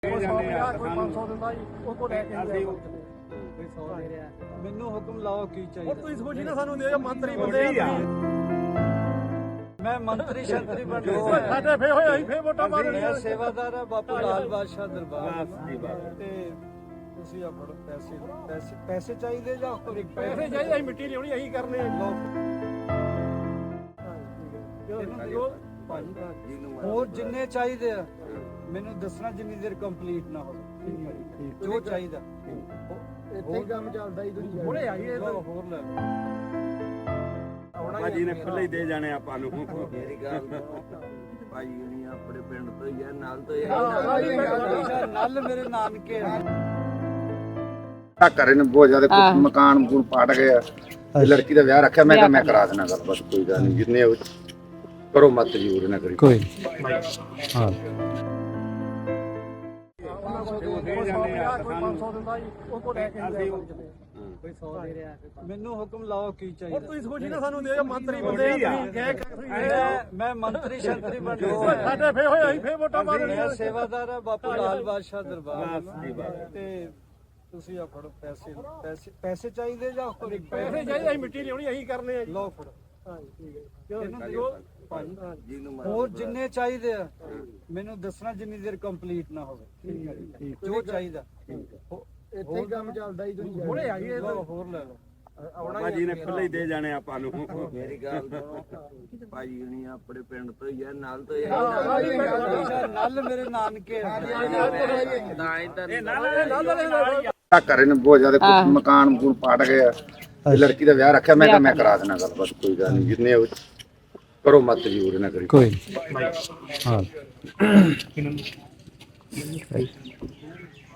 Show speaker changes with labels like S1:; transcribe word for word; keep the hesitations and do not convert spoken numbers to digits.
S1: ਕੋਈ ਸੌ ਪੰਜਾਹ ਕੋਈ ਪੰਜ ਸੌ ਦਿੰਦਾ ਜੀ ਉਹ ਕੋ ਲੈ ਕੇ ਅਸੀਂ
S2: ਕੋਈ ਸੌ ਦੇ ਰਿਹਾ ਮੈਨੂੰ ਹੁਕਮ ਲਾਓ ਕੀ
S1: ਹੁਣ
S2: ਚਾਹੀਦਾ।
S1: ਤੁਸੀਂ ਸੋਚੀ ਨਾ ਸਾਨੂੰ ਦੇ ਮੰਤਰੀ ਬੰਦੇ ਆ
S2: ਮੈਂ ਮੰਤਰੀ ਸ਼ੰਤਰੀ ਬਣ ਗਿਆ
S1: ਸਾਡੇ ਫੇ ਹੋਏ ਅਸੀਂ ਫੇ ਵੋਟਾਂ ਮਾਰਨੀਆਂ
S2: ਮੈਂ ਸੇਵਾਦਾਰ ਆ ਬਾਪੂ ਲਾਲ ਬਾਦਸ਼ਾਹ ਦਰਬਾਰ ਤੇ ਤੁਸੀਂ ਆ ਫੜੋ ਪੈਸੇ ਪੈਸੇ ਪੈਸੇ ਚਾਹੀਦੇ ਜਾਂ ਕੋਈ
S1: ਪੈਸੇ ਚਾਹੀਦੇ ਅਸੀਂ ਮਿੱਟੀ ਲਿਆਉਣੀ ਅਸੀਂ ਕਰਨੇ ਆ।
S2: ਹੋਰ ਜਿੰਨੇ ਚਾਹੀਦੇ ਆ ਮੈਨੂੰ ਦੱਸਣਾ ਜਿੰਨੀ ਦੇਰ ਕੰਪਲੀਟ ਨਾ ਹੋਵੇ ਜੋ ਚਾਹੀਦਾ
S1: ਇੱਥੇ ਹੀ ਕੰਮ ਚੱਲਦਾ ਹੀ ਦੁਨੀਆ ਹੁਣੇ ਆਈਏ
S2: ਹੋਰ ਲੈ
S3: ਭਾਜੀ ਨੇ ਖੁੱਲੇ ਹੀ ਦੇ ਜਾਣੇ ਆਪਾਂ ਨੂੰ।
S4: ਮੇਰੀ ਗੱਲ ਭਾਈ ਨਹੀਂ ਆਪਣੇ ਪਿੰਡ ਤੋਂ ਹੀ ਆ, ਨਾਲ ਤੋਂ ਹੀ ਆ।
S2: ਨਲ ਮੇਰੇ ਨਾਨਕੇ ਆ।
S5: ਆ ਘਰੇ ਨੇ ਬਹੁਤ ਜ਼ਿਆਦਾ ਕੁਛ ਮਕਾਨ ਮਕੂਨ ਪਾਟ ਗਏ ਆ ਤੇ ਲੜਕੀ ਦਾ ਵਿਆਹ ਰੱਖਿਆ। ਮੈਂ ਕਿਹਾ ਮੈਂ ਕਰਾ ਦੇਣਾ ਗੱਲ, ਬਸ ਕੋਈ ਗੱਲ ਨਹੀਂ, ਜਿੰਨੇ ਉਹ ਕਰੋ ਮਤ ਜੂਰ ਨਾ ਕਰੀ
S2: ਕੋਈ ਹਾਂ
S1: ਕੋਈ ਸੌ ਪੰਜਾਹ ਕੋਈ ਪੰਜ ਸੌ ਦਿੰਦਾ ਜੀ ਉਹ ਕੋ ਲੈ ਕੇ ਅਸੀਂ
S2: ਕੋਈ ਸੌ ਦੇ ਰਿਹਾ ਮੈਨੂੰ ਹੁਕਮ ਲਾਓ ਕੀ
S1: ਹੁਣ
S2: ਚਾਹੀਦਾ।
S1: ਤੁਸੀਂ ਸੋਚੀ ਨਾ ਸਾਨੂੰ ਦੇ ਮੰਤਰੀ ਬੰਦੇ ਆ
S2: ਮੈਂ ਮੈਂ ਮੰਤਰੀ ਸ਼ੰਤਰੀ ਬਣ ਗਿਆ
S1: ਸਾਡੇ ਫੇ ਹੋਏ ਅਸੀਂ ਫੇ ਵੋਟਾਂ ਮਾਰਨੀਆਂ
S2: ਮੈਂ ਸੇਵਾਦਾਰ ਆ ਬਾਪੂ ਲਾਲ ਬਾਦਸ਼ਾਹ ਦਰਬਾਰ ਤੇ ਤੁਸੀਂ ਆ ਫੜੋ ਪੈਸੇ ਪੈਸੇ ਪੈਸੇ ਚਾਹੀਦੇ ਜਾਂ ਕੋਈ
S1: ਪੈਸੇ ਚਾਹੀਦੇ ਅਸੀਂ ਮਿੱਟੀ ਲਿਆਉਣੀ ਅਸੀਂ ਕਰਨੇ ਆ ਜੀ।
S2: ਲਓ ਫੜੋ
S1: ਇਹਨੂੰ ਦਿਓ ਭਾਜੀ
S2: ਹੋਰ ਜਿੰਨੇ ਚਾਹੀਦੇ ਆ ਮੈਨੂੰ ਦੱਸਣਾ ਜਿੰਨੀ ਦੇਰ ਕੰਪਲੀਟ ਨਾ ਹੋਵੇ ਜੋ ਚਾਹੀਦਾ
S1: ਇੱਥੇ ਹੀ ਕੰਮ ਚੱਲਦਾ ਹੀ ਦੁਨੀਆ ਹੁਣੇ ਆਈਏ
S2: ਹੋਰ ਲੈ ਲਓ
S3: ਭਾਜੀ ਨੇ ਖੁੱਲੇ ਹੀ ਦੇ ਜਾਣੇ ਆਪਾਂ ਨੂੰ।
S4: ਮੇਰੀ ਗੱਲ ਸੁਣੋ ਭਾਈ ਨਹੀਂ ਆਪਣੇ ਪਿੰਡ ਤੋਂ ਹੀ ਆ, ਨਾਲ ਤੋਂ ਹੀ ਆ।
S2: ਨਲ ਮੇਰੇ ਨਾਨਕੇ ਆ।
S4: ਨਾ ਹੀ ਤਾਂ
S5: ਆ ਘਰੇ ਨੇ ਬਹੁਤ ਜ਼ਿਆਦਾ ਕੁਛ ਮਕਾਨ ਮਕੂਨ ਪਾਟ ਗਏ ਆ ਤੇ ਲੜਕੀ ਦਾ ਵਿਆਹ ਰੱਖਿਆ। ਮੈਂ ਕਿਹਾ ਮੈਂ ਕਰਾ ਦੇਣਾ ਗੱਲ, ਬਸ ਕੋਈ ਗੱਲ ਨਹੀਂ, ਜਿੰਨੇ ਉਹ ਕਰੋ ਮਤ ਜੂਰ ਨਾ ਕਰੀ
S2: ਕੋਈ ਹਾਂ